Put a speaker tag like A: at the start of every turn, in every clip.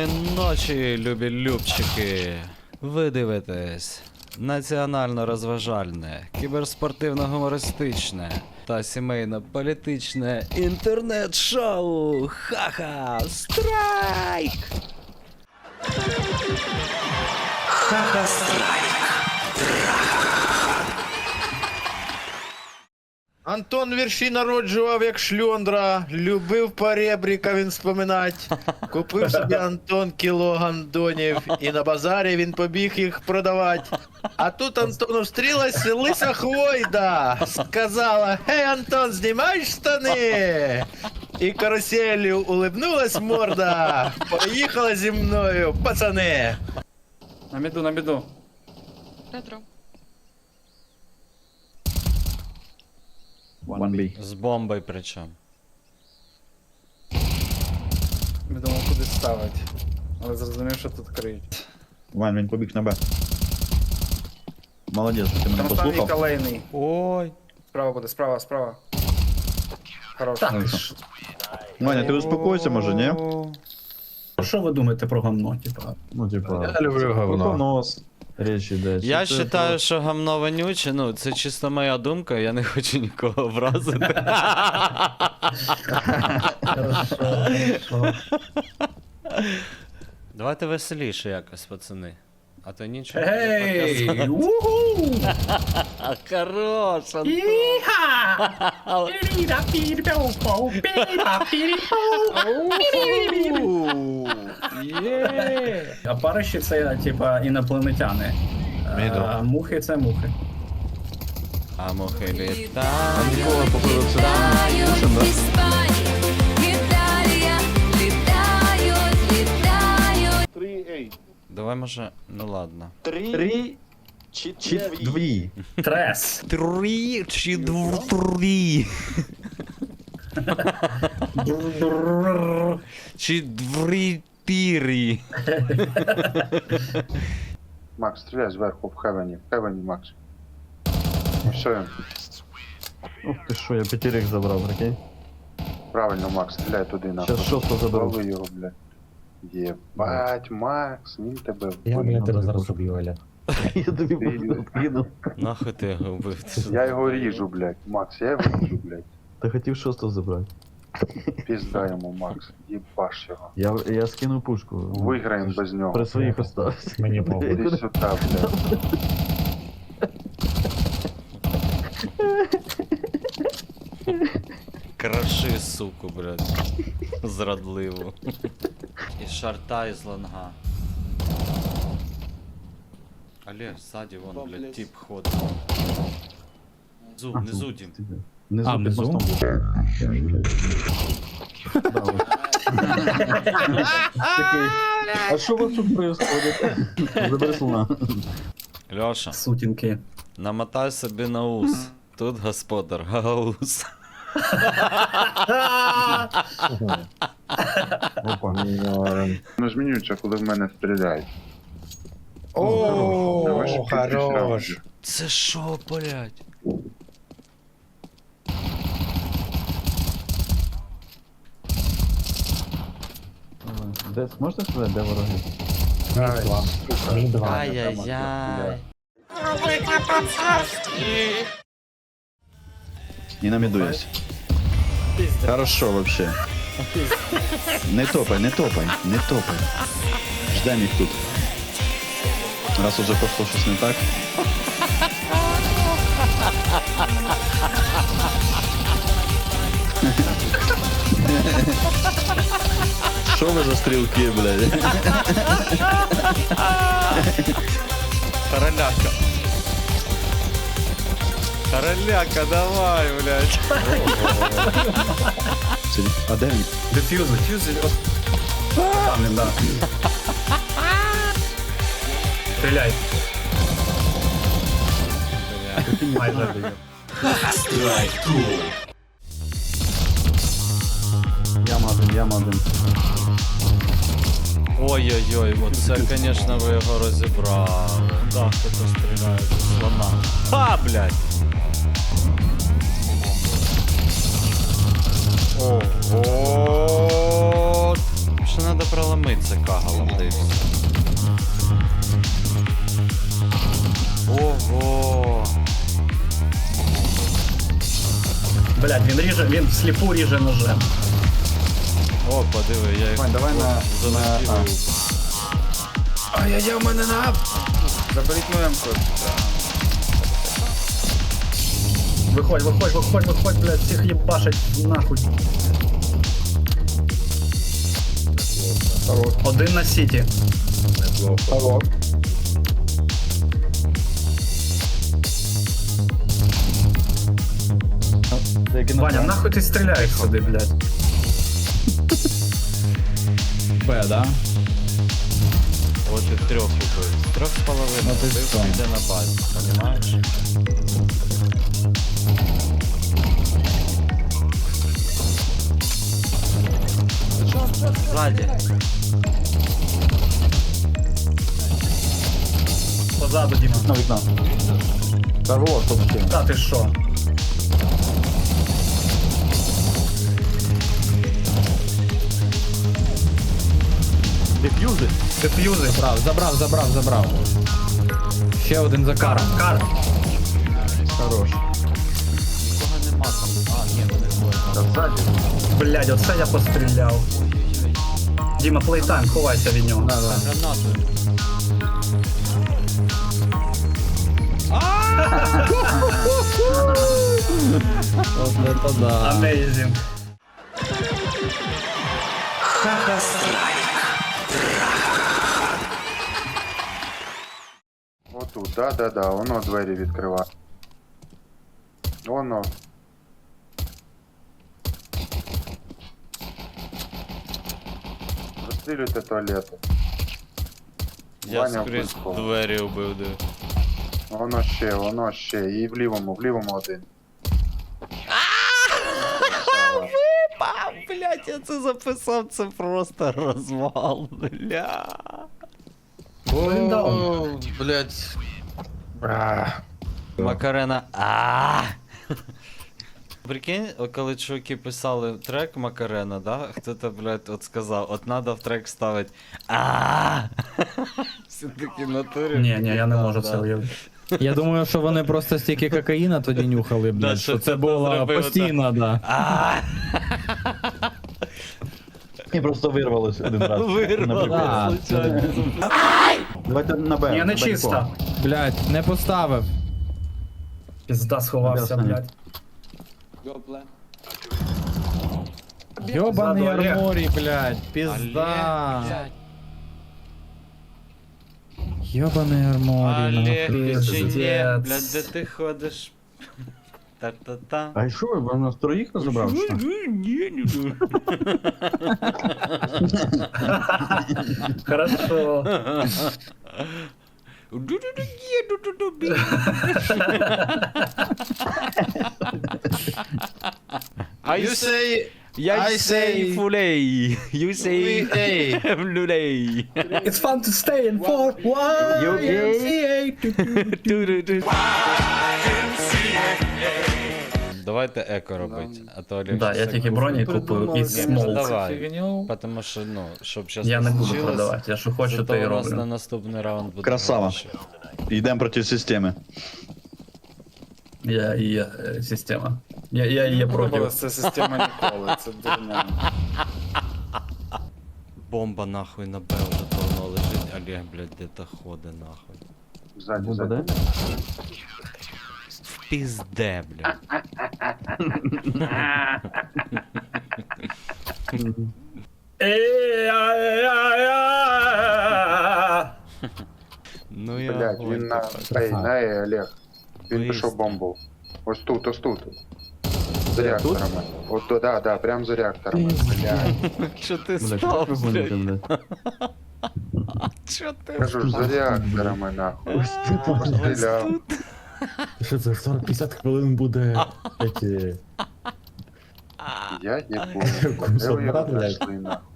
A: Спокійної ночі, любі любчики. Ви дивитесь національно-розважальне, кіберспортивно-гумористичне та сімейно-політичне інтернет-шоу Ха-ха Страйк!
B: Ха-ха Страйк.
C: Антон вірші народжував як шльондра, любив поребріка він споминать. Купив собі Антон кіло гандонів, і на базарі він побіг їх продавать. А тут Антону встрілась лиса хвойда, сказала: «Гей, Антон, знімаєш штани?» І каруселью улыбнулась морда, поїхала зі мною, пацани.
D: На міду, на міду.
E: Ретро.
F: One B.
A: З бомбою причому.
D: Не думав, куди ставить. Але зрозумів, що тут криють.
F: Вань, він побіг на Б. Молодець, ти мене
D: Там останній
F: послухав.
D: колейний.
A: Ой.
D: Справа буде, справа, справа. Хорош.
F: Ваня, ти успокойся, може, ні?
G: Що ви думаєте про гамно, типа?
F: Ну, типа,
C: Я люблю говно.
F: нос. Річ іде.
A: Я
F: Чи це
A: вважаю, що гамно вонюче, ну це чисто моя думка, я не хочу нікого образити. Давайте веселіше якось, пацани. А то нічого.
G: Ей! Уху!
A: Хорош, Антон.
G: А париші це, типа, інопланетяни. А мухи це мухи.
A: А мухи літають. Давай може, ну ладно.
F: Три чи дві?
G: Трес.
A: Три чи дві? Чи дві-тірі?
H: Макс, стріляй зверху в хевені. В хевені, Макс. Ну все,
F: Ух ти що, я п'ятірик забрав, прикинь.
H: правильно, Макс, стріляй туди нахуй.
F: Щас шостого заберу.
H: Лови його, блядь. Єбать, Макс, він тебе
G: Я,
H: вбив.
G: тебе зараз уб'ю, Оля.
F: Я тобі кинув.
A: Нахуй ти його вбив? Ти що?
H: Я його ріжу, блядь. Макс, я його ріжу, блядь.
F: Ти хотів шостого забрати.
H: Пізда йому, Макс. Єбаш його.
F: Я скинув пушку.
H: Виграємо без нього.
F: При своїх остався.
G: Мені
H: Іди сюди, блядь.
A: Краши, суку, блядь. Зрадливу. І шарта із лонга. Олег, ззаді вон, блядь, тип ходить. Внизу, Дім.
F: Внизу під
G: внизу?
F: мостом був. Да, ось. Такий, а що у вас тут происходит? Забери слона.
A: Льоша,
G: Сутінки.
A: намотай собі на ус. Тут господар Гаус.
F: Опа.
H: Ну змінюється, коли в мене стріляють.
C: О, хорош.
A: Це що, блядь?
F: Де, можете сказати, де вороги?
A: Ай-яй-яй.
F: І на міду есть. Хорошо вообще. Не топай, не топай, не топай. Ждем їх тут. Раз уже пошло щось не так. Що ви за стрілки, блядь?
A: Короляка. Короляка, давай, блядь.
F: А де він?
G: Дефюз, дефюз. Там він, да. Стріляй. Майже.
F: Яма один.
A: Ой-ой-ой, оце, конечно, ви його розібрали. Да, хто-то стріляє зі слона. Ха, блядь! Ого! Короче, надо проломиться кагалом, да и все. Ого!
G: Блядь, він всліпу ріже ножем.
A: О, подиви, я їх
D: Вань, давай на-
A: залетів.
C: Ай-яй-яй, у мене на...
D: Заберіть мою М-ку.
G: Виходь, блядь, всіх їбашать нахуй. Один на сіті. Ваня, нахуй ти стріляєш сюди, блядь?
F: Б, да?
A: От і трьох убив. 3,5 убив, йде на базі, понимаєш? Ззаді.
G: Позаду, Діма.
F: На вікно. Здорово, що таке?
G: Та ти що?
F: Деф'юзи?
G: Деф'юзи.
E: Забрав. Ще один за каром.
G: Кар.
F: Хорош.
A: Нікого нема там. А, ні, вони двоє.
G: Блядь, оце я постріляв. Діма, плейтайм, ховайся від нього.
A: Гранату.
E: От це да.
G: Amazing.
B: Хаха-страйк.
H: Отут, да, воно двері відкриває. Воно. Розстрілюйте туалети.
A: Я
H: Ваня
A: скрізь
H: вбив.
A: двері убив, диви.
H: Воно ще. І в лівому один.
A: Блять, я це записав, це просто розвал, бля.
C: О, блядь.
A: Макарена. Прикинь, коли чуваки писали трек Макарена, да? Хто-то, блядь, от сказав, от надо в трек ставити. Все-таки в натурі.
G: Ні, я не
A: Да,
G: можу
A: да.
G: це уявити.
E: Я думаю, що вони просто стільки кокаїна тоді нюхали,
A: Да,
E: блядь,
A: що
E: що
A: це
E: це було
A: зробили,
E: постійно, да.
F: І просто вирвалось один раз.
A: Вирвало,
E: Да,
A: случайно.
F: Давайте на Б.
G: Ні, не чисто.
E: Блядь, не поставив.
G: Пізда сховався,
F: Ясно.
G: блядь.
E: Йобаний
G: Позаду Олег.
E: арморі, блядь, пізда.
A: Олег,
E: Йобаний арморі,
A: Олег,
E: нахуй.
A: чи ні,
G: Пиздец.
A: блядь, де ти ходиш? Та-та-та.
F: А що, ви нас троїх розібрав? що?
G: Хорошо.
C: You say...
A: I say фулей. You
C: We
A: say
C: A.
A: люлей.
G: It's fun to stay in for
A: Давайте еко робити, а то Олег
G: Да, я
A: щас
G: тільки
A: еко
G: броні
A: купить.
G: купив і
A: Ну,
G: смолк.
A: давай. Потому що, ну, щоб зараз
G: Я не буду продавати, я що хочу,
A: Зато
G: то і
A: у нас на
G: роблю.
A: наступний раунд буде
F: Красава.
A: гроші.
F: Йдемо проти системи.
G: Я і є система. Я і є проти.
D: Пробувалася ця система ніколи, це дурня.
A: Бомба нахуй на Б вже давно лежить, Олег, блядь, де-то ходить нахуй.
H: Ззаді.
A: В пізде, блядь. Ну я
H: Блядь,
A: огонь
H: він на
A: тепер.
H: Ей, на Ей, Олег. Він
A: Виїзд.
H: пішов бомбу. Ось тут. За реакторами. От то, да, прям за реакторами. Блядь.
A: Що ти став, блядь? Що ти
H: Кажу ж, за реакторами, нахуй. Постріляв.
E: Що це, 40-50 хвилин буде, эти...
H: Я не помню. Де ви його
E: Брат, блядь.
H: знайшли, нахуй?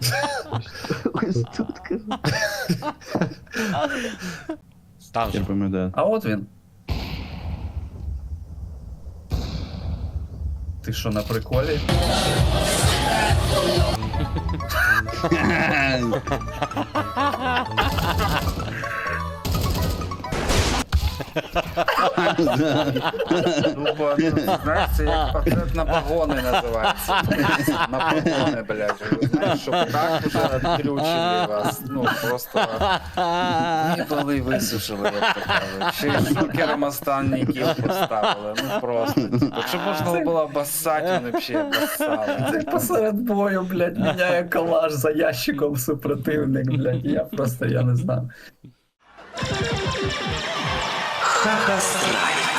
A: Там
F: Я
A: же.
F: пам'ятаю.
G: А от він. Ти що, на приколі?
D: Тупо, ну, знаєш, це як пакет на погони називається. На погони, блядь. Ви знаєш, що так уже відключили вас. Ну, просто їбали висушили, як то кажуть. Ще й шокером останній кіл поставили. Ну просто. Типу, що можна було басати, вони б ще басали.
G: Це посеред бою, блядь, міняє калаш за ящиком супротивник, блядь. Я не знаю.
B: Хаха-страйк.